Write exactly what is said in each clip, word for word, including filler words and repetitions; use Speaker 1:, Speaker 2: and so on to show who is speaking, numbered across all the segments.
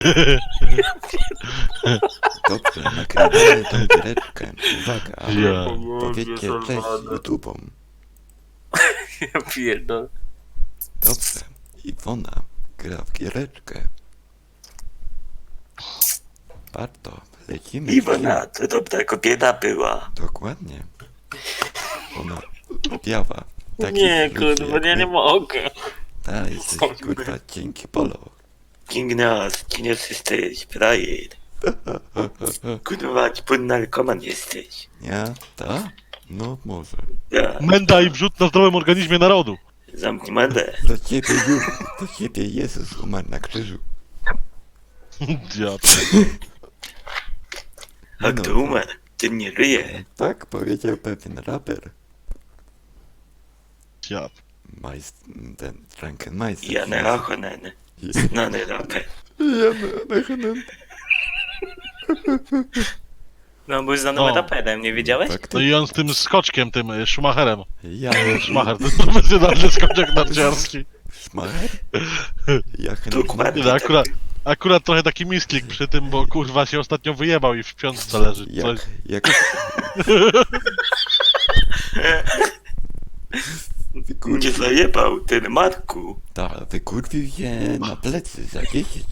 Speaker 1: Dobrze, nagrywamy tą giereczkę. Uwaga,
Speaker 2: Ja.
Speaker 1: powiedzcie cześć YouTube'om.
Speaker 3: Ja pierdolę.
Speaker 1: Dobrze, Iwona gra w giereczkę. Warto, lecimy.
Speaker 3: Iwona, to dobra kobieta była.
Speaker 1: Dokładnie. Ona biała.
Speaker 3: Nie, kurwa, ja nie mogę.
Speaker 1: Tak, jesteś kurwa dzięki polo.
Speaker 3: King Nas, kim jesteś, frajer. Kurwa, płyn narkoman jesteś.
Speaker 1: Ja? Ta? No może.
Speaker 3: Ja,
Speaker 2: Menda i wrzut na zdrowym organizmie narodu.
Speaker 3: zamknij mandę.
Speaker 1: Do ciebie już, do ciebie Jezus umarł na krzyżu.
Speaker 2: Ja.
Speaker 3: A kto umarł, ten nie żyje.
Speaker 1: Tak powiedział pewien raper.
Speaker 2: Ja.
Speaker 1: Majst... ten Drunken Meister.
Speaker 3: Jan Rachonen, znany raper.
Speaker 1: Jan Rachonen.
Speaker 3: No, był znanym
Speaker 2: No.
Speaker 3: raperem, nie wiedziałeś?
Speaker 2: No i on z tym skoczkiem, tym y, Schumacherem.
Speaker 1: Ja...
Speaker 2: Schumacher, to jest profesjonalny skoczek narciarski.
Speaker 1: Szmacher? Jak
Speaker 3: Dokładnie.
Speaker 2: No, akurat, akurat trochę taki misklik przy tym, bo kurwa się ostatnio wyjebał i w piątce leży. Coś.
Speaker 1: Jak... jak...
Speaker 3: Nie zajebał, ten Marku.
Speaker 1: Ta, wykurwił się na plecy za dziesięć.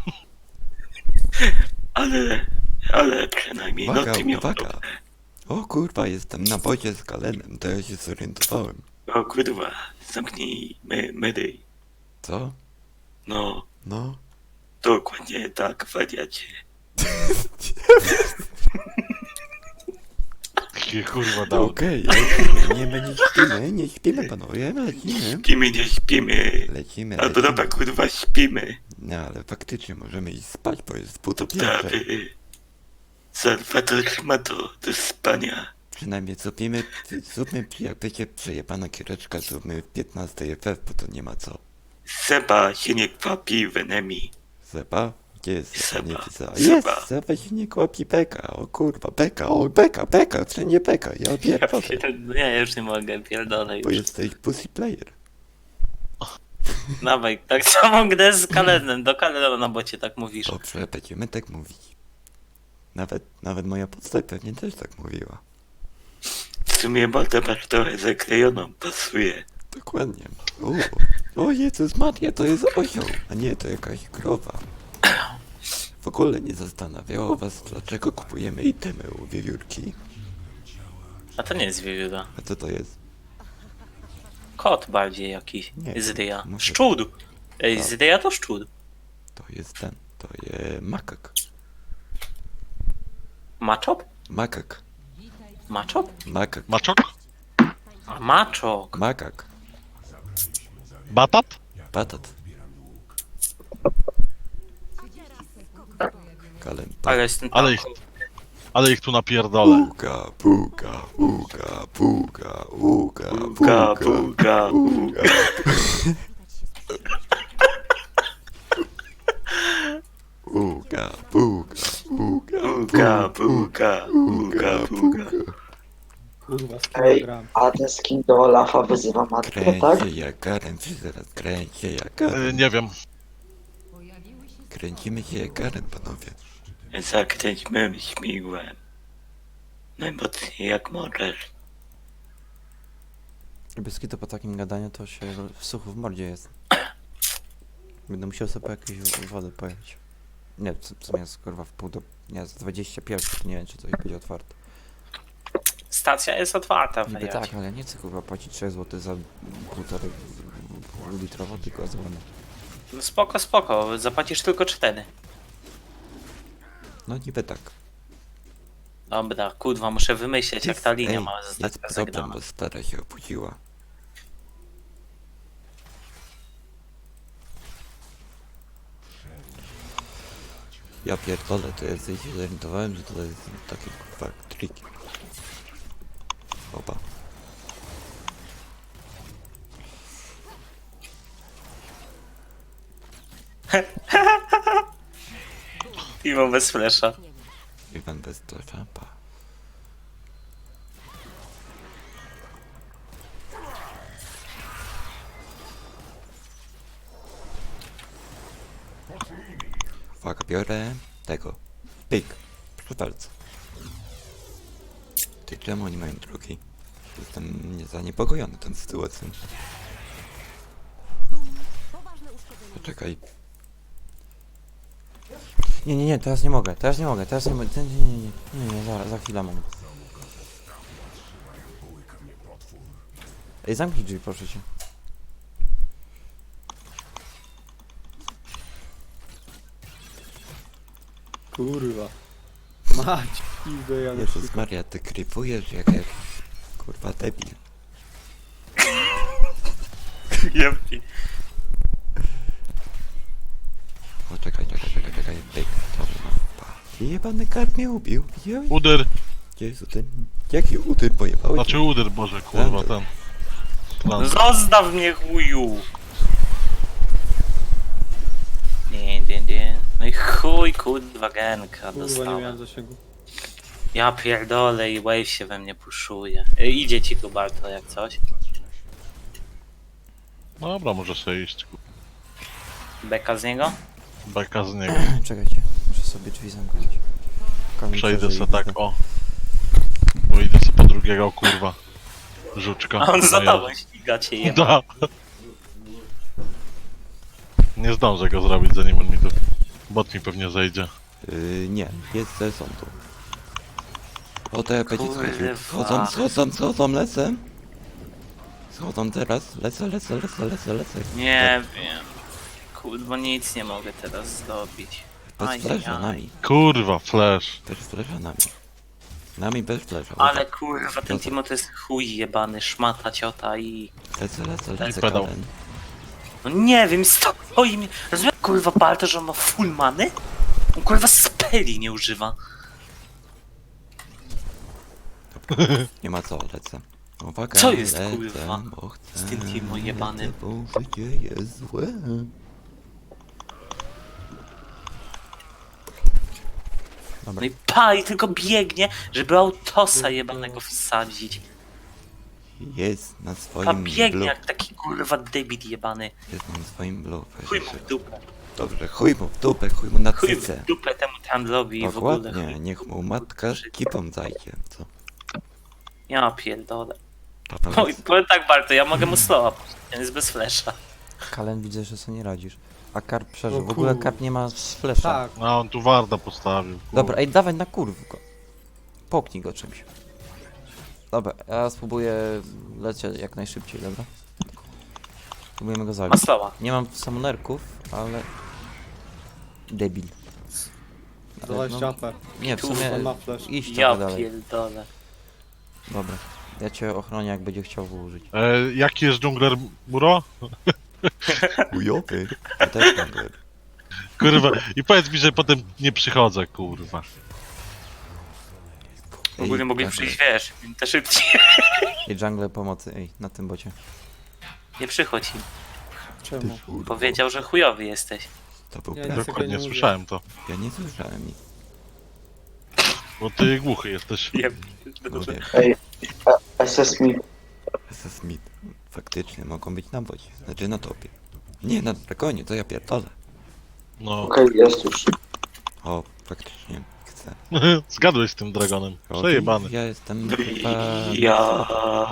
Speaker 3: Ale, ale przynajmniej
Speaker 1: Uwaga,
Speaker 3: noty miał
Speaker 1: uwaga.
Speaker 3: dobre.
Speaker 1: O kurwa, jestem na bocie z Galenem, to ja się zorientowałem.
Speaker 3: O kurwa, zamknij my, mydy.
Speaker 1: Co?
Speaker 3: No,
Speaker 1: No?
Speaker 3: dokładnie tak, wariacie.
Speaker 2: Takie kurwa dał.
Speaker 1: Okej, lecimy, nie, my nie śpimy, nie śpimy panowie, lecimy.
Speaker 3: Śpimy, nie śpimy.
Speaker 1: Lecimy,
Speaker 3: A to
Speaker 1: lecimy.
Speaker 3: dobra, kurwa, śpimy.
Speaker 1: No ale faktycznie możemy iść spać, bo jest pół do
Speaker 3: Dobra,
Speaker 1: pierwszej.
Speaker 3: wy... Salwator ma to do spania.
Speaker 1: Przynajmniej zróbmy, zróbmy, jak będzie przejebana kiereczka, zróbmy piętnaście F F, bo to nie ma co.
Speaker 3: Seba się nie kwapi w enemy.
Speaker 1: Zeba? Gdzie jest Zeba? Nie
Speaker 3: Seba.
Speaker 1: widzę.
Speaker 3: Seba.
Speaker 1: Jest! Zeba się nie kłapi Beka, o kurwa, Beka, o Beka, Beka, wszędzie Beka, ja pierdolę,
Speaker 3: Ja już nie mogę, pierdolę
Speaker 1: bo
Speaker 3: już.
Speaker 1: jesteś pussy player.
Speaker 3: Dawaj, tak samo grę z Kalenem, do Kalena na bocie tak mówisz.
Speaker 1: Dobrze, będziemy tak mówić. Nawet, nawet moja podstawa pewnie też tak mówiła.
Speaker 3: W sumie mordę masz trochę zaklejoną, pasuje.
Speaker 1: Dokładnie. O, o Jezus Maria, to jest osioł, a nie, to jakaś krowa. W ogóle nie zastanawiało was, dlaczego kupujemy itemy u wiewiórki?
Speaker 3: A to nie jest wiewióra.
Speaker 1: A co to jest?
Speaker 3: Kot bardziej jakiś.
Speaker 1: Nie,
Speaker 3: Z ryja.
Speaker 1: może-
Speaker 3: Szczur. Ej,
Speaker 1: Tak.
Speaker 3: z ryja to szczur.
Speaker 1: To jest ten, to jest makak.
Speaker 3: Maczop?
Speaker 1: Makak.
Speaker 3: Maczop?
Speaker 1: Makak.
Speaker 2: Maczok?
Speaker 3: A maczok.
Speaker 1: Makak.
Speaker 2: Batat?
Speaker 1: Patat. Kalem.
Speaker 3: Ale jestem
Speaker 2: Ale ich, ale ich tu napierdolę.
Speaker 1: Puga, puga, puga, puga, puga,
Speaker 3: Puga, puga,
Speaker 1: puga. Puga, puga, puga,
Speaker 3: Puga, puga, puga, puga.
Speaker 4: Kurwa, z
Speaker 5: Ej,
Speaker 4: kilogram.
Speaker 5: a ten skin do Olafa wyzywa matkę, tak?
Speaker 1: Kręć się jak Garen, czy zaraz kręć się jak
Speaker 2: Y,
Speaker 1: Garen.
Speaker 2: nie wiem.
Speaker 1: Kręcimy się jak Garen, panowie.
Speaker 3: Zakręćmy śmigłem. Najmocniej jak możesz.
Speaker 4: Bez to po takim gadaniu to się w suchu w mordzie jest. Będę musiał sobie po jakieś wodę pojechać. Nie, w w sumie jest kurwa w pół do... Nie, z dwadzieścia pierwszy, to nie wiem czy coś będzie otwarte.
Speaker 3: Stacja jest otwarta,
Speaker 4: Niby
Speaker 3: wariacie.
Speaker 4: tak, ale ja nie chcę kurwa płacić trzy złote za półtorej litra wody, tylko za wodę.
Speaker 3: No spoko, spoko, zapłacisz tylko cztery.
Speaker 1: No niby tak.
Speaker 3: Dobra, kurwa, muszę wymyśleć jak ta linia
Speaker 1: Ej,
Speaker 3: ma
Speaker 1: jest
Speaker 3: zostać
Speaker 1: problem,
Speaker 3: zagrana.
Speaker 1: bo stara się obudziła. Ja pierdolę, to ja sobie się zorientowałem, że to jest takie kurwa triki. Opa.
Speaker 3: Iwo bez flesza.
Speaker 1: Iwan bez tlefa, pa. Uwaga, biorę tego. Pyk. Proszę bardzo. Ty, czemu oni mają drugi? Jestem nie- zaniepokojony tą sytuacją. Poczekaj.
Speaker 4: Nie, nie, nie, teraz nie mogę, teraz nie mogę, teraz nie mogę. Nie, nie, nie, nie, nie, nie, za, za chwilę mam. Ej, zamknij drzwi, proszę cię.
Speaker 6: Kurwa. Mać, pizdę, ja
Speaker 1: Jezus Maria, ty krypujesz jak jakiś kurwa debil.
Speaker 3: Jebki.
Speaker 1: O, czekaj, czekaj, czekaj, czekaj. Pyk. Dobra, pa. Jebany karp mnie ubił. Je-
Speaker 2: Uder,
Speaker 1: Jezu, ten... Jaki utyr pojebałeś?
Speaker 2: znaczy uder, Boże, kurwa, ten. Plan.
Speaker 3: Zostaw mnie, chuju! Nie, nie, nie. No i chuj, kurwa, genka
Speaker 6: Kurwa, nie
Speaker 3: dostałem.
Speaker 6: miałem zasięgu.
Speaker 3: Ja pierdolę i wave się we mnie puszuje. E, idzie ci tu Barto jak coś.
Speaker 2: Dobra, może sobie iść, kurwa.
Speaker 3: Beka z niego?
Speaker 2: Beka z niego.
Speaker 4: Czekajcie, muszę sobie drzwi zamknąć. Kamil
Speaker 2: Przejdę
Speaker 4: przeżyje,
Speaker 2: se tak,
Speaker 4: widzę.
Speaker 2: o. Bo idę se po drugiego, kurwa. Żuczka.
Speaker 3: A on za
Speaker 2: No
Speaker 3: tobą ściga cię
Speaker 2: ja-
Speaker 3: jeba.
Speaker 2: Da. Nie zdążę go zrobić, zanim on mi tu... Bot mi pewnie zejdzie.
Speaker 1: Yy, nie, jest ze sądu. O, to ja będzie schodził.
Speaker 3: Kurwa.
Speaker 1: Schodzą, schodzą, schodzą, lecę. Schodzą teraz, lecę, lecę, lecę, lecę, lecę.
Speaker 3: Nie wiem. Kurwa, nic nie mogę teraz zrobić.
Speaker 1: Bez
Speaker 3: Ajajaj.
Speaker 1: flesza, nami.
Speaker 2: Kurwa, flash.
Speaker 1: Bez flesza, nami. Nami bez flesza.
Speaker 3: Ale kurwa, ten Timo to jest chuj jebany, szmata ciota i...
Speaker 1: Lecę, lecę, lecę,
Speaker 2: pedał.
Speaker 1: Karen.
Speaker 3: No nie wiem, stoi mi... Rozumiesz kurwa Barto, że on ma full many? On kurwa speli nie używa.
Speaker 1: Nie ma co, lecę. Uwaga,
Speaker 3: Co jest,
Speaker 1: lecę,
Speaker 3: kurwa?
Speaker 1: bo chcę,
Speaker 3: Z tym Timo jebanym.
Speaker 1: lecę, bo życie jest złe.
Speaker 3: No i pa, i tylko biegnie, żeby autosa jebanego wsadzić.
Speaker 1: Jest na
Speaker 3: Pa
Speaker 1: swoim
Speaker 3: biegnie
Speaker 1: blue.
Speaker 3: jak taki kurwa debit jebany.
Speaker 1: Jest na swoim blue.
Speaker 3: Chuj mu w dupę.
Speaker 1: Dobrze, chuj mu w dupę, chuj mu na
Speaker 3: Chuj
Speaker 1: cycę.
Speaker 3: w dupę temu handlowi i w ogóle
Speaker 1: Dokładnie,
Speaker 3: chuj.
Speaker 1: niech mu matka kipą zajdzie, co?
Speaker 3: Ja pierdolę.
Speaker 1: Papa,
Speaker 3: No i powiem tak Barto, ja mogę mu slowa puścić, on jest bez flesza.
Speaker 4: Kalen, widzę, że sobie nie radzisz. A Karp przeżył.
Speaker 6: O
Speaker 4: W ogóle
Speaker 6: kurwa.
Speaker 4: Karp nie ma z flesza.
Speaker 6: Tak,
Speaker 2: A on tu Warda postawił. kurwa.
Speaker 4: Dobra, ej, dawaj na kurw go. Poknij go czymś. Dobra, ja spróbuję lecieć jak najszybciej, dobra? Spróbujemy go
Speaker 3: Ma
Speaker 4: zabić.
Speaker 3: slowa.
Speaker 4: Nie mam summonerków, ale... Debil. Ale
Speaker 6: dwadzieścia
Speaker 4: no,
Speaker 6: A P.
Speaker 4: nie, w
Speaker 3: Kurwa,
Speaker 4: sumie
Speaker 6: on ma flash.
Speaker 4: iść
Speaker 3: Ja
Speaker 4: trochę dalej.
Speaker 3: pierdolę.
Speaker 4: Dobra. Ja cię ochronię, jak będzie chciał wyłożyć.
Speaker 2: E, jaki jest dżungler Muro?
Speaker 1: chujowy. Ja też mam go.
Speaker 2: Kurwa. I powiedz mi, że potem nie przychodzę, kurwa.
Speaker 3: W ogóle
Speaker 1: Ej,
Speaker 3: mogli
Speaker 1: tak,
Speaker 3: przyjść, wiesz, te szybciej.
Speaker 4: I jungle pomocy, ej, na tym bocie.
Speaker 3: Nie przychodź im.
Speaker 6: Czemu?
Speaker 1: kurwa.
Speaker 3: Powiedział, że chujowy jesteś.
Speaker 1: To był
Speaker 6: Ja
Speaker 1: plan.
Speaker 6: nie
Speaker 2: Dokładnie,
Speaker 6: mówię.
Speaker 2: słyszałem to.
Speaker 1: Ja nie słyszałem nic.
Speaker 2: Bo ty głuchy jesteś.
Speaker 3: Nie,
Speaker 1: No wiesz,
Speaker 5: Ej, S S mi.
Speaker 1: S S Smith. Faktycznie mogą być na bocie. Znaczy na topie. Nie, na dragonie, to ja pierdolę.
Speaker 2: No.
Speaker 5: Okej, jest już.
Speaker 1: O, faktycznie chcę.
Speaker 2: Zgadłeś z tym dragonem.
Speaker 1: O,
Speaker 2: Przejebany.
Speaker 1: Ja jestem chyba...
Speaker 3: Ja.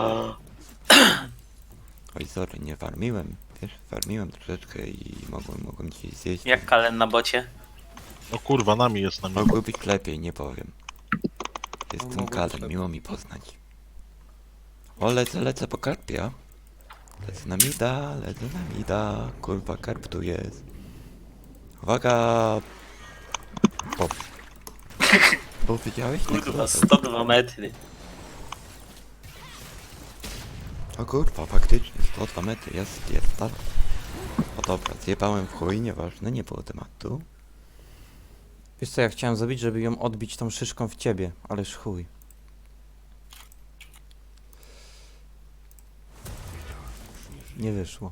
Speaker 1: Oj, sorry, nie farmiłem. Wiesz, farmiłem troszeczkę i mogłem, mogłem ci zjeść.
Speaker 3: Jak Kalen na bocie?
Speaker 2: O kurwa, nami jest nami.
Speaker 1: Mogło być lepiej, nie powiem. Jestem
Speaker 6: mogło być
Speaker 1: Kalem,
Speaker 6: lepiej.
Speaker 1: miło mi poznać. O, lecę, lecę po karpia. Lecę na mida, lecę na mida. Kurwa, karp tu jest. Uwaga! O. Bo widziałeś? Nie,
Speaker 3: Kurwa, sto dwa metry.
Speaker 1: O kurwa, faktycznie, sto dwa metry, jest, jest, dalej. O dobra, zjebałem w chuj, nieważne, nie było tematu.
Speaker 4: Wiesz co, ja chciałem zrobić, żeby ją odbić tą szyszką w ciebie, ależ chuj. Nie wyszło.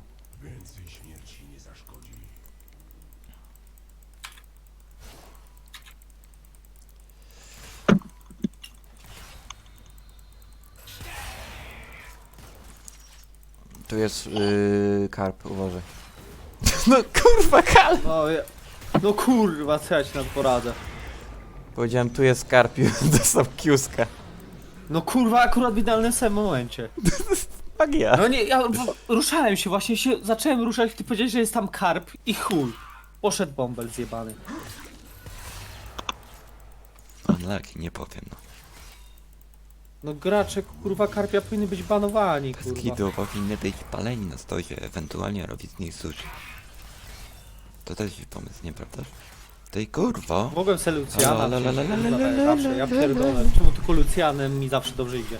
Speaker 4: Tu jest yy, karp, uważaj. No kurwa, Kal!
Speaker 6: No, ja... No kurwa, co ja ci na to poradzę?
Speaker 4: Powiedziałem, tu jest Skarpiu, dostał kiuska.
Speaker 6: No kurwa, akurat w idealnym samym momencie.
Speaker 4: Magia.
Speaker 6: No nie, ja w- ruszałem się właśnie, się zacząłem ruszać, ty powiedziałeś, że jest tam karp i chuj. Poszedł bąbel zjebany.
Speaker 1: Unlucky, nie powiem, no.
Speaker 6: No gracze kurwa karpia powinny być banowani, kurwa.
Speaker 1: Skidu powinny być paleni na stosie, ewentualnie robić z nich sushi. To też jest pomysł, nieprawdaż? Tej kurwo!
Speaker 6: Mogłem se Lucjana
Speaker 1: La, la, la, la, la,
Speaker 6: wziąć,
Speaker 1: la,
Speaker 6: kurwa,
Speaker 1: la, la,
Speaker 6: zawsze, ja
Speaker 1: la, la,
Speaker 6: pierdolę. Czemu tylko Lucjanem mi zawsze dobrze idzie?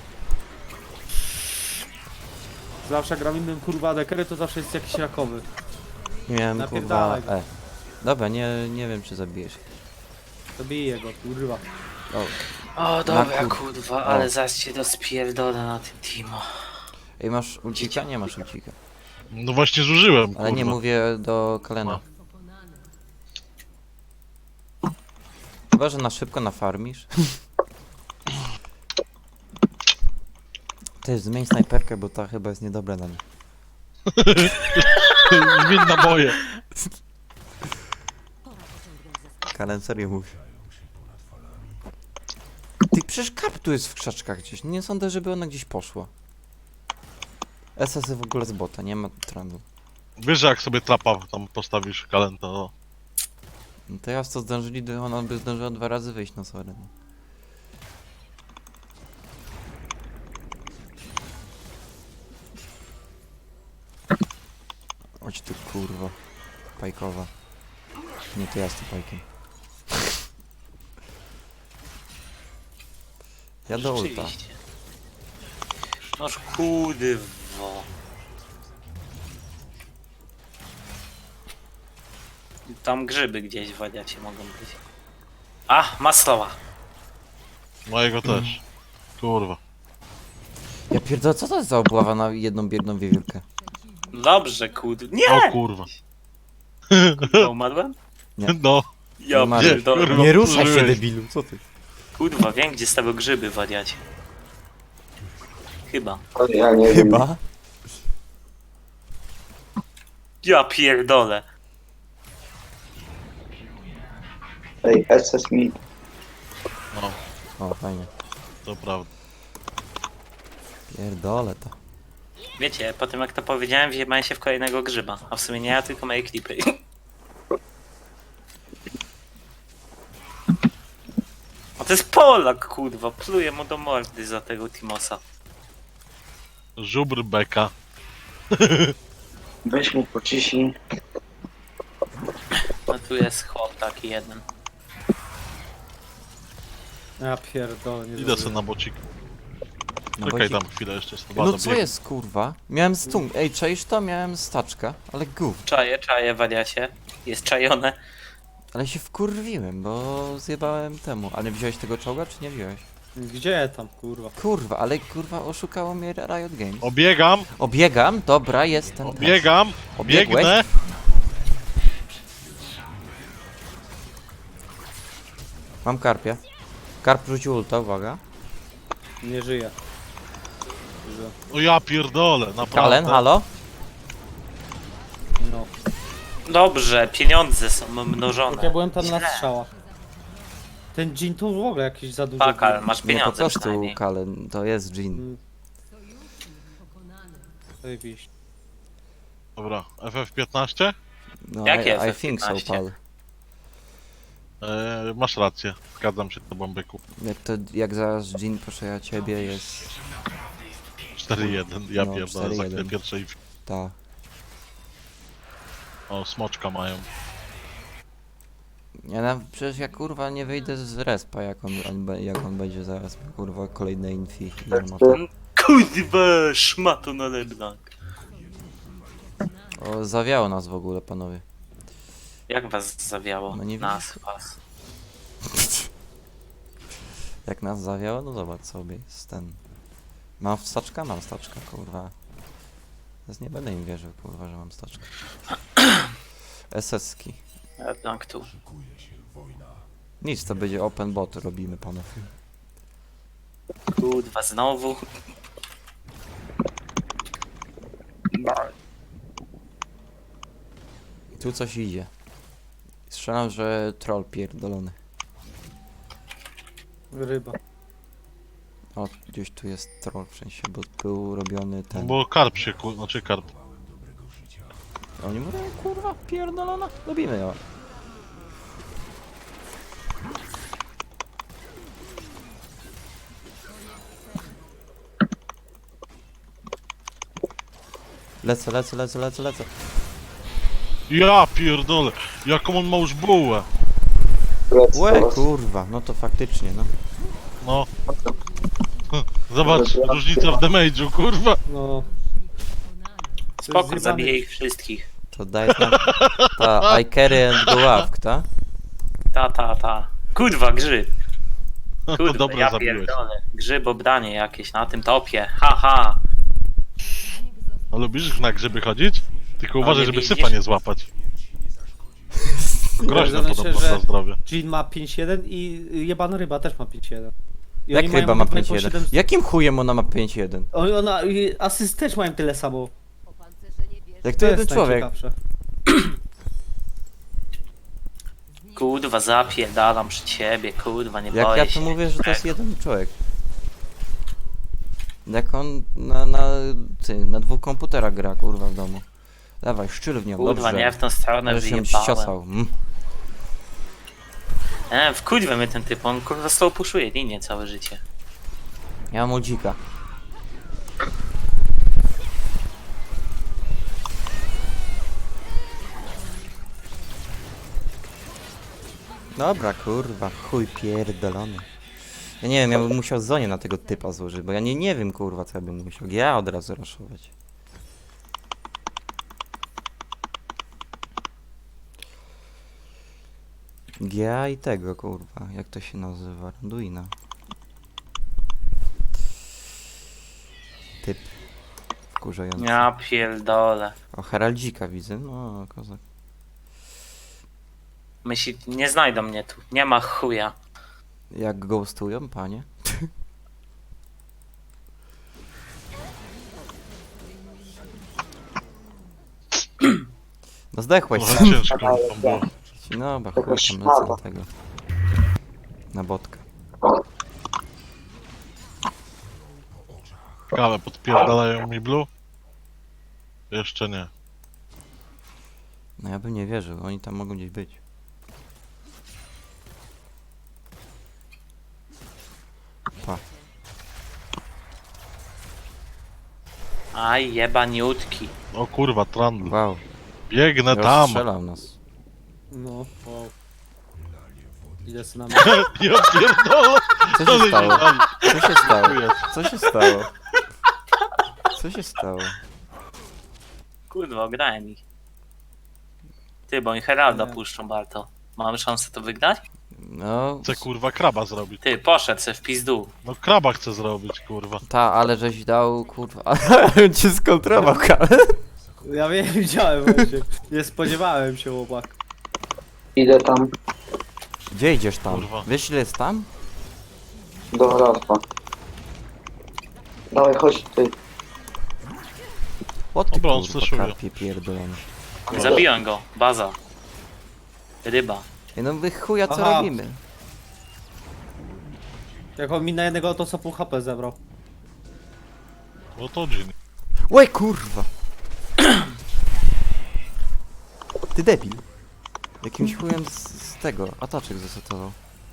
Speaker 6: Zawsze jak gram innym kurwa dekery, to zawsze jest jakiś rakowy.
Speaker 4: Nie miałem kurwa...
Speaker 6: Napierdalaj go.
Speaker 4: E. Dobra, nie, nie wiem czy zabijesz.
Speaker 6: Zabiję go, kurwa.
Speaker 4: O,
Speaker 3: O, dobra,
Speaker 4: kur-
Speaker 3: kurwa,
Speaker 4: o.
Speaker 3: ale zaś cię dospierdolę na tym teamu.
Speaker 4: ej, masz ulcika? Nie masz ulcika.
Speaker 2: No właśnie zużyłem,
Speaker 4: Ale nie
Speaker 2: kurwa.
Speaker 4: mówię do Kalena.
Speaker 2: No.
Speaker 4: Chyba, że na szybko nafarmisz. Ty, zmień snajperkę, bo ta chyba jest niedobra na nie.
Speaker 2: Zmień naboje.
Speaker 4: Kalen, serio mówi. Ty, przecież karp tu jest w krzaczkach gdzieś. Nie sądzę, żeby ona gdzieś poszła. S S w ogóle z bota, nie ma trendu.
Speaker 2: Wiesz, że jak sobie trapa tam postawisz kalenta, no.
Speaker 4: No to ja co zdążyli, to ona by zdążyła dwa razy wyjść, no sorry. No. Chodź tu kurwa. Pajkowa. Nie, to ja z tym pajkiem. Ja do ulta.
Speaker 3: Rzeczywiście. Noż kurwo. Tam grzyby gdzieś w wadiacie mogą być. A, maslowa.
Speaker 2: Mojego też. Kurwa.
Speaker 4: Ja pierdolę, co to jest za obława na jedną biedną wiewiórkę?
Speaker 3: Dobrze, kurde.
Speaker 2: O
Speaker 3: Nie!
Speaker 2: kurwa.
Speaker 3: Kurwa, umarłem?
Speaker 4: Nie.
Speaker 2: No.
Speaker 3: Ja
Speaker 4: Nie,
Speaker 3: pierdolę.
Speaker 2: kurwa,
Speaker 4: Nie ruszaj się,
Speaker 2: zużyłeś.
Speaker 4: debilu, co ty?
Speaker 3: Kurwa, wiem gdzie stały grzyby w wadiacie. Chyba.
Speaker 5: O, ja nie wiem.
Speaker 4: Chyba?
Speaker 3: Ja pierdolę.
Speaker 5: Ej, S S mi.
Speaker 2: No,
Speaker 4: O, fajnie.
Speaker 2: to prawda.
Speaker 4: Pierdolę to.
Speaker 3: Wiecie, po tym jak to powiedziałem, wjebałem się w kolejnego grzyba. A w sumie nie ja, tylko moje klipy. A to jest Polak, kurwa. Pluję mu do mordy za tego Timosa.
Speaker 2: Żubr beka.
Speaker 5: Weź mu pociśnij.
Speaker 3: A tu jest chłop taki jeden.
Speaker 6: Ja pierdolę, nie
Speaker 2: Idę sobie
Speaker 6: zdążyłem.
Speaker 2: na bocik.
Speaker 4: No
Speaker 2: Czekaj
Speaker 4: bo ci-
Speaker 2: tam chwilę jeszcze. z
Speaker 4: No co jest kurwa? Miałem stung. Ej, czaisz to? Miałem staczka, ale gów.
Speaker 3: Czaje, czaje, wariacie. Jest czajone.
Speaker 4: Ale się wkurwiłem, bo zjebałem temu. Ale wziąłeś tego czołga, czy nie wziąłeś?
Speaker 6: Gdzie tam, kurwa?
Speaker 4: Kurwa, ale kurwa oszukało mnie Riot Games.
Speaker 2: Obiegam,
Speaker 4: Obiegam, dobra, jest ten.
Speaker 2: obiegam,
Speaker 4: Obiegłeś?
Speaker 2: biegnę.
Speaker 4: Mam karpia. Karp rzucił ulta, uwaga.
Speaker 6: Nie żyje. Że-
Speaker 2: O ja pierdolę, naprawdę.
Speaker 4: Kalen, halo?
Speaker 6: No.
Speaker 3: Dobrze, pieniądze są mnożone.
Speaker 6: Jak ja byłem tam na
Speaker 3: Źle.
Speaker 6: strzałach. Ten dżin to w ogóle jakiś za dużo.
Speaker 3: Pakal,
Speaker 6: był.
Speaker 3: masz
Speaker 4: Nie, po
Speaker 3: pieniądze
Speaker 4: prostu
Speaker 3: przynajmniej.
Speaker 4: Kalen, to jest Jin.
Speaker 6: Mm. Zajebiście.
Speaker 2: Dobra, F F piętnaście?
Speaker 4: No,
Speaker 3: Jakie
Speaker 4: I, I
Speaker 3: F F
Speaker 4: think so,
Speaker 3: piętnaście?
Speaker 4: pal.
Speaker 2: Eee, masz rację, zgadzam się z tobą, byku.
Speaker 4: Jak to, jak zaraz Jin poszeja ciebie jest...
Speaker 2: cztery jeden, ja
Speaker 4: No,
Speaker 2: pierdolę,
Speaker 4: cztery
Speaker 2: za
Speaker 4: jeden.
Speaker 2: chwilę pierwszej...
Speaker 4: Ta.
Speaker 2: O, smoczka mają.
Speaker 4: Ja na, przecież ja kurwa nie wyjdę z respa, jak on, on, be- jak on będzie zaraz, kurwa, kolejne infi. i armaty.
Speaker 3: Kurwa, szmato na LeBlanc.
Speaker 4: O, zawiało nas w ogóle, panowie.
Speaker 3: Jak was zawiało?
Speaker 4: No nie
Speaker 3: Nas, was.
Speaker 4: Jak nas zawiało, no zobacz sobie, jest ten... Mam staczka? Mam staczka, kurwa. Teraz nie będę im wierzył, kurwa, że mam staczkę. S S-ki.
Speaker 3: LeBlanc tu.
Speaker 4: Nic, to będzie open bot, robimy, panowie.
Speaker 3: Kurwa, znowu.
Speaker 4: Tu coś idzie. Strzelam, że troll pierdolony.
Speaker 6: Ryba.
Speaker 4: O, gdzieś tu jest troll w sensie, bo był robiony
Speaker 2: No
Speaker 4: ten...
Speaker 2: bo karp się kur... znaczy karp.
Speaker 4: Oni mówią, kurwa, pierdolona, lubimy ją. Lecę, lecę, lecę, lecę, lecę.
Speaker 2: Ja pierdolę, jaką on ma już bułę.
Speaker 5: Lecę
Speaker 4: Łe,
Speaker 5: teraz.
Speaker 4: kurwa, no to faktycznie, no.
Speaker 2: No. Zobacz, różnica w damage'u, kurwa.
Speaker 6: No.
Speaker 3: Spoko,
Speaker 6: zjebane.
Speaker 3: zabiję ich wszystkich.
Speaker 4: To daje nam... Ta, I carry and go up, ta?
Speaker 3: Ta, ta, ta. Kurwa, grzyb. Kurwa,
Speaker 2: Dobra,
Speaker 3: ja
Speaker 2: zabiłeś.
Speaker 3: pierdolę. Grzyb obranie jakieś na tym topie. Haha.
Speaker 2: A lubisz na grzyby chodzić? Tylko uważaj,
Speaker 3: nie
Speaker 2: żeby
Speaker 3: widzisz?
Speaker 2: sypa nie złapać. Groźne
Speaker 6: Zależy,
Speaker 2: podobno
Speaker 6: że-
Speaker 2: dla zdrowia.
Speaker 6: Jean ma pięć jeden i jebana ryba też ma pięć jeden. I
Speaker 4: Jak
Speaker 6: oni mają
Speaker 4: ryba ma
Speaker 6: obydwaj
Speaker 4: pięć
Speaker 6: po
Speaker 4: jeden?
Speaker 6: siedem
Speaker 4: Jakim chujem ona ma pięć jeden?
Speaker 6: Oni- Ona, i asyst też mają tyle samo.
Speaker 4: Jak to
Speaker 6: To
Speaker 4: jeden
Speaker 6: jest
Speaker 4: człowiek?
Speaker 6: najciekawsze.
Speaker 3: Kurwa, zapierdalam przy ciebie, kurwa, nie
Speaker 4: Jak
Speaker 3: boję
Speaker 4: ja
Speaker 3: się.
Speaker 4: to mówię, że to jest jeden człowiek. Jak on na, na, ty, na dwóch komputerach gra, kurwa, w domu. Dawaj, szczyl w nią,
Speaker 3: Kurwa,
Speaker 4: dobrze.
Speaker 3: nie w tą stronę
Speaker 4: Możesz się
Speaker 3: wyjebałem.
Speaker 4: ściosał. Mm.
Speaker 3: E, w kurwę mnie ten typ, on kurwa z tą puszuje linię całe życie.
Speaker 4: Ja mam udzika. Dobra, kurwa, chuj pierdolony. Ja nie wiem, ja bym musiał zonie na tego typa złożyć, bo ja nie, nie wiem, kurwa, co ja bym musiał. Ja od razu raszować. G A i tego, kurwa, jak to się nazywa? Randuina. Typ. Wkurzający.
Speaker 3: Ja pierdolę.
Speaker 4: O, Heraldzika widzę, no, kozak.
Speaker 3: Myśli, nie znajdą mnie tu, nie ma chuja.
Speaker 4: Jak ghostują, panie? No zdechłeś
Speaker 2: Trochę
Speaker 4: sam.
Speaker 2: ciężko tam było.
Speaker 4: No, bo
Speaker 5: Taka
Speaker 4: chuj tam
Speaker 5: szmata.
Speaker 4: lecę na tego. Na botka.
Speaker 2: Kawę podpierdalają mi blue? Jeszcze nie.
Speaker 4: No ja bym nie wierzył, oni tam mogą gdzieś być. Pa.
Speaker 3: Aj, jebaniutki.
Speaker 2: O kurwa, trandl.
Speaker 4: Wow,
Speaker 2: Biegnę tam!
Speaker 4: rozstrzelał nas.
Speaker 6: No, wow. Idę z nami.
Speaker 2: Ja pierdolę!
Speaker 4: Co się
Speaker 2: Ale
Speaker 4: stało?
Speaker 2: nie-
Speaker 4: Co się stało?
Speaker 2: Dziękuję.
Speaker 4: Co się stało? Co się stało?
Speaker 3: Kurwa, ograłem ich. Ty, bo oni Heralda
Speaker 6: Nie.
Speaker 3: puszczą, Barto. Mamy szansę to wygrać?
Speaker 4: No,
Speaker 2: Chcę kurwa kraba zrobić.
Speaker 3: Ty, poszedł se w pizdu.
Speaker 2: No kraba chcę zrobić, kurwa.
Speaker 4: ta, ale żeś dał, kurwa, ale cię skontrował, ale...
Speaker 6: Ja wiem, widziałem właśnie. Nie spodziewałem się, chłopak.
Speaker 5: Idę tam
Speaker 4: Gdzie idziesz tam?
Speaker 2: Kurwa.
Speaker 4: Wiesz ile jest tam?
Speaker 5: do Ralfa. Dawaj, chodź ty.
Speaker 4: O ty
Speaker 2: Dobra, on
Speaker 4: kurwa,
Speaker 2: fleszuje.
Speaker 4: karpie pierdolony.
Speaker 3: Zabiłem go, baza. Ryba.
Speaker 4: Ej, no wy chuja, co
Speaker 6: Aha.
Speaker 4: robimy?
Speaker 6: Jak on mi na jednego to co pół H P zebrał.
Speaker 2: No to Jin.
Speaker 4: Łe kurwa! Ty debil. Jakimś chujem z, z tego, ataczek zasetował.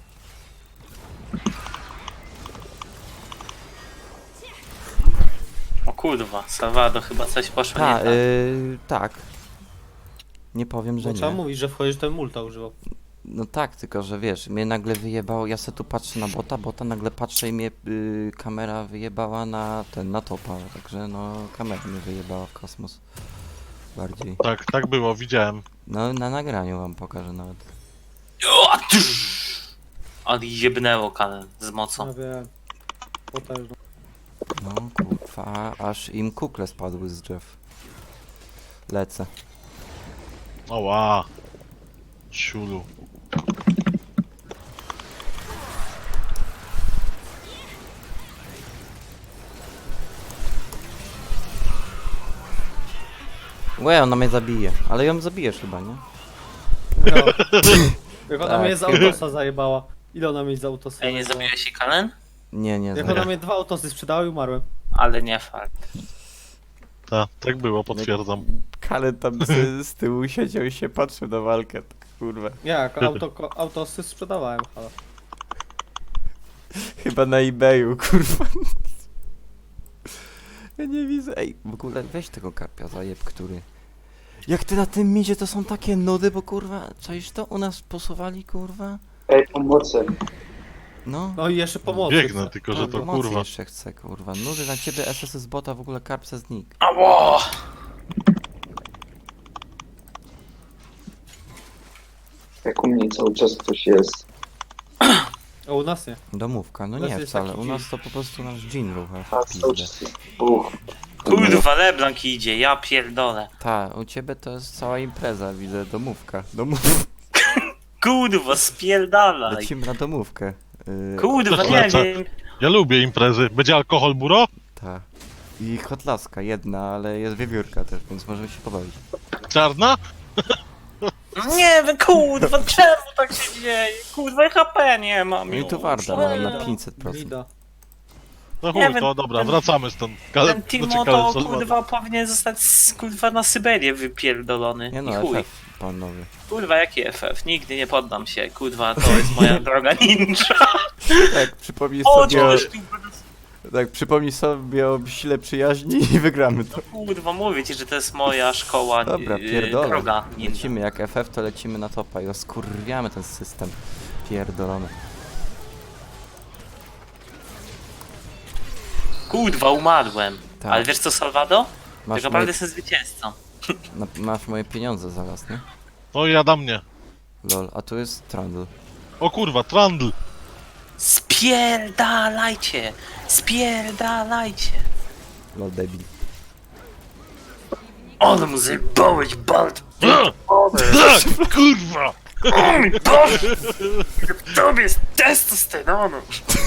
Speaker 3: O kurwa, Salvador chyba coś poszło nie
Speaker 4: Ta,
Speaker 3: tak.
Speaker 4: yy, tak. Nie powiem, że
Speaker 6: Bo trzeba
Speaker 4: nie.
Speaker 6: mówić, że wchodzisz, ten multa używał.
Speaker 4: No tak, tylko że wiesz, mnie nagle wyjebało, ja se tu patrzę na bota, bota nagle patrzę i mnie yy, kamera wyjebała na ten, na topa, także no kamera mnie wyjebała w kosmos. Bardziej.
Speaker 2: Tak, tak było, widziałem.
Speaker 4: No na nagraniu wam pokażę nawet.
Speaker 3: O, tyż! Ale jebnęło kanę z mocą.
Speaker 6: Ja wiem. Potężno.
Speaker 4: No kurwa, aż im kukle spadły z drzew. Lecę.
Speaker 2: Oła. Siulu.
Speaker 4: Łe, ona mnie zabije, ale ją zabijesz chyba, nie?
Speaker 6: No. Jak ona
Speaker 4: Tak.
Speaker 6: mnie z autosa zajebała. Ile ona mnie z autosa
Speaker 3: Ej, nie
Speaker 6: zajebała?
Speaker 3: zabiłeś się Kalen?
Speaker 4: Nie, nie,
Speaker 6: Jak
Speaker 4: za-
Speaker 6: ona mnie dwa autosy sprzedała i umarłem.
Speaker 3: Ale nie fakt.
Speaker 2: Tak, tak było, potwierdzam.
Speaker 4: Kalen tam z, z tyłu siedział i się patrzył na walkę, tak, kurwa.
Speaker 6: Jak? Auto, ko- autosy sprzedawałem, halo.
Speaker 4: Chyba na eBayu, kurwa. Ja nie widzę. Ej, w ogóle weź tego karpia zajeb, który... Jak ty na tym midzie, to są takie nudy, bo kurwa, czaisz to? U nas posuwali, kurwa?
Speaker 5: Ej, pomocy.
Speaker 4: No.
Speaker 6: No i jeszcze pomocy.
Speaker 2: Biegnę, tylko że
Speaker 4: Tak,
Speaker 2: to
Speaker 4: pomocy
Speaker 2: kurwa.
Speaker 4: jeszcze chcę, kurwa. Nudy na ciebie, S S z bota, w ogóle karp se znik.
Speaker 3: Ało!
Speaker 5: Jak u mnie cały czas ktoś jest.
Speaker 6: A u nas nie.
Speaker 4: Domówka, no
Speaker 6: U nas
Speaker 4: nie
Speaker 6: jest
Speaker 4: wcale.
Speaker 6: taki
Speaker 4: U nas
Speaker 6: dzień.
Speaker 4: to po prostu nasz dżin rucha
Speaker 5: A
Speaker 4: w
Speaker 5: cały
Speaker 4: pizdę.
Speaker 5: czas jest buch.
Speaker 3: Kurwa, Leblanc idzie, ja pierdolę.
Speaker 4: Ta, u ciebie to jest cała impreza, widzę, domówka. Domów...
Speaker 3: Kurwa, spierdalaj.
Speaker 4: Lecimy na domówkę. Yy,
Speaker 3: Kurwa,
Speaker 2: Też
Speaker 3: nie
Speaker 2: lecę.
Speaker 3: wiem.
Speaker 2: Ja lubię imprezy. Będzie alkohol, buro?
Speaker 4: ta. I hotlaska jedna, ale jest wiewiórka też, więc możemy się pobawić.
Speaker 2: Czarna?
Speaker 3: Nie wiem, kurwa, czemu tak się dzieje? Kurwa, H P nie mam
Speaker 4: No i
Speaker 3: już.
Speaker 4: tu Warda
Speaker 3: Ej,
Speaker 4: mam na pięćset procent.
Speaker 6: Mida.
Speaker 2: No
Speaker 3: Nie
Speaker 2: chuj,
Speaker 3: wiem,
Speaker 2: to dobra,
Speaker 3: ten-
Speaker 2: wracamy stąd. Kale,
Speaker 3: Ten Timo
Speaker 2: znaczy Kale
Speaker 3: to
Speaker 2: Salvador.
Speaker 3: kurwa powinien zostać z- kurwa na Syberię wypierdolony.
Speaker 4: Nie
Speaker 3: I
Speaker 4: no,
Speaker 3: chuj.
Speaker 4: F F, panowie.
Speaker 3: Kurwa, jaki F F? Nigdy nie poddam się, kurwa, to jest moja droga ninja.
Speaker 4: Tak, przypomnij
Speaker 3: O,
Speaker 4: sobie, o,
Speaker 3: cześć,
Speaker 4: tak, przypomnij sobie o sile przyjaźni i wygramy to.
Speaker 3: kurwa, mówię ci, że to jest moja szkoła,
Speaker 4: Dobra,
Speaker 3: yy,
Speaker 4: pierdolę.
Speaker 3: droga ninja.
Speaker 4: Lecimy jak F F, to lecimy na topa i oskurwiamy ten system. Pierdolony.
Speaker 3: Kurwa, umarłem.
Speaker 4: Tak.
Speaker 3: Ale wiesz co, Salvado? Tak
Speaker 4: Masz,
Speaker 3: naprawdę
Speaker 4: moje,
Speaker 3: jestem zwycięzcą.
Speaker 4: na, masz moje pieniądze zaraz, nie?
Speaker 2: No i jada mnie.
Speaker 4: Lol, a tu jest Trundle.
Speaker 2: O kurwa, Trundle.
Speaker 3: Spierdalajcie! Spierdalajcie!
Speaker 4: Lol, debil.
Speaker 3: Ale mu zjebałeś, bald!
Speaker 2: Tak, kurwa!
Speaker 3: O mój Boże! W tobie jest testosteronu!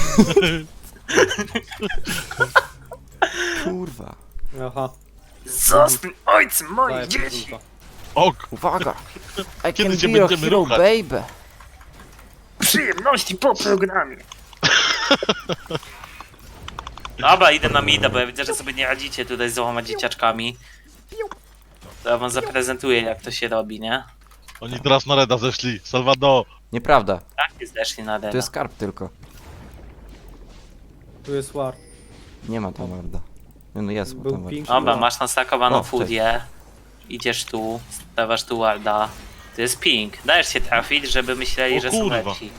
Speaker 4: Kurwa.
Speaker 6: Aha.
Speaker 3: Zostań ojcem moich
Speaker 6: Daję
Speaker 3: dzieci!
Speaker 6: podrzuta.
Speaker 2: Ok,
Speaker 4: Uwaga! I
Speaker 2: Kiedy
Speaker 4: can
Speaker 2: się
Speaker 4: be your
Speaker 2: będziemy
Speaker 4: hero,
Speaker 2: ruchać?
Speaker 4: baby!
Speaker 3: Przyjemności po programie! Dobra, idę na mida, bo ja widzę, że sobie nie radzicie tutaj z dwoma dzieciaczkami. To ja wam zaprezentuję, jak to się robi, nie?
Speaker 2: oni teraz na Reda zeszli. Salvador.
Speaker 4: Nieprawda,
Speaker 3: Tak, jest zeszli na
Speaker 4: to
Speaker 3: dena.
Speaker 4: jest karp tylko.
Speaker 6: Tu jest war.
Speaker 4: Nie ma tam Warda. No, no jest
Speaker 6: Był
Speaker 4: tam Warda.
Speaker 6: pink.
Speaker 3: Dobra, masz nastakowaną
Speaker 4: O, cześć.
Speaker 3: fudię. Idziesz tu, stawiasz tu warda. To jest ping. Dajesz się trafić, żeby myśleli,
Speaker 2: O
Speaker 3: że są
Speaker 2: kurwa.
Speaker 3: lepsi.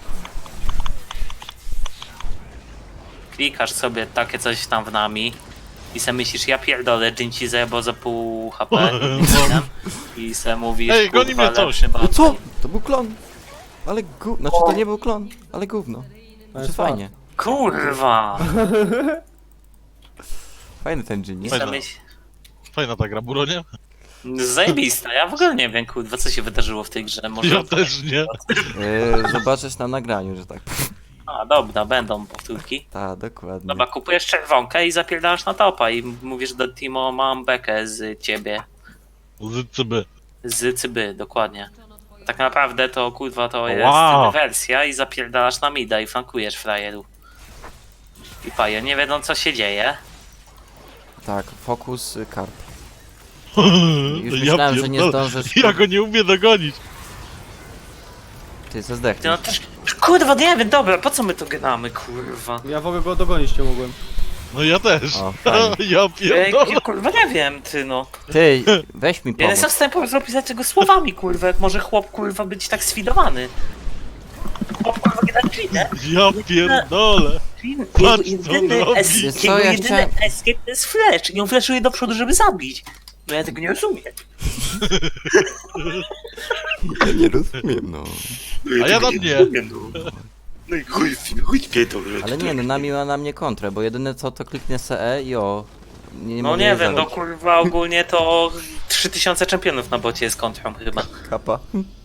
Speaker 3: Klikasz sobie takie coś tam w nami i se myślisz, ja pierdolę, Jin ci zajebał za pół H P i se mówisz,
Speaker 2: Ej, goni
Speaker 3: kurwa,
Speaker 2: mnie coś.
Speaker 3: lepszy
Speaker 4: No
Speaker 3: bot.
Speaker 4: co? To był klon! Ale gu... Znaczy to nie był klon, ale gówno.
Speaker 6: To
Speaker 4: Znaczy
Speaker 6: jest
Speaker 4: fajnie.
Speaker 3: Kurwa!
Speaker 4: Fajny ten Jin, nie?
Speaker 3: I
Speaker 2: Fajna.
Speaker 3: se myśl...
Speaker 2: Fajna ta gra, buro, nie?
Speaker 3: Zajebista, ja w ogóle nie wiem, kurwa, co się wydarzyło w tej grze. Może...
Speaker 2: Ja też nie.
Speaker 4: Yy, zobaczysz na nagraniu, że tak.
Speaker 3: A, dobra, będą powtórki.
Speaker 4: Tak, dokładnie.
Speaker 3: Dobra, kupujesz czerwonkę i zapierdasz na topa i mówisz do Timo, mam bekę z ciebie.
Speaker 2: Z C B.
Speaker 3: Z cyby, dokładnie. Tak naprawdę to kurwa to jest
Speaker 2: Wow.
Speaker 3: wersja i zapierdalasz na mida i flankujesz frajerów. I paje, nie wiedzą co się dzieje.
Speaker 4: Tak, fokus y, karp. Już
Speaker 2: Ja
Speaker 4: myślałem, że nie
Speaker 2: pierdolę.
Speaker 4: zdążysz.
Speaker 2: Ja go nie umiem dogonić.
Speaker 4: Ty se
Speaker 3: Ty no
Speaker 4: zdechniesz.
Speaker 3: też... Kurwa, nie wiem, dobra, po co my to gramy, kurwa?
Speaker 6: Ja w ogóle go dogonić nie mogłem.
Speaker 2: No ja też.
Speaker 4: O, fajnie.
Speaker 2: Ja
Speaker 3: Ej,
Speaker 2: pierdolę.
Speaker 3: kurwa, nie wiem, ty no.
Speaker 4: Ty, weź mi
Speaker 3: Ja nie jestem w
Speaker 4: pomóc.
Speaker 3: stanie po prostu opisać tego słowami, kurwa, jak może chłop, kurwa, być tak sfidowany. Chłop, kurwa, nie da chwilę.
Speaker 2: Ja pierdolę. Patrz,
Speaker 3: Jego
Speaker 2: co on
Speaker 3: jedyny,
Speaker 2: robi.
Speaker 3: es-
Speaker 4: Wiesz co,
Speaker 3: jego
Speaker 4: ja
Speaker 3: jedyny
Speaker 4: chciałem-
Speaker 3: escape to jest flash i on flashuje do przodu, żeby zabić. No ja tego nie rozumiem.
Speaker 4: Ja nie rozumiem, no.
Speaker 2: A ja tam nie.
Speaker 3: No i chuj, chuj pierdolę.
Speaker 4: Ale nie, no nami ma na mnie kontrę, bo jedyne co to kliknę se E i o. Nie, nie
Speaker 3: No
Speaker 4: mogę
Speaker 3: nie
Speaker 4: jej
Speaker 3: wiem, no
Speaker 4: zabić.
Speaker 3: kurwa ogólnie to trzy tysiące czempionów na bocie jest kontrą chyba.
Speaker 4: Kapa.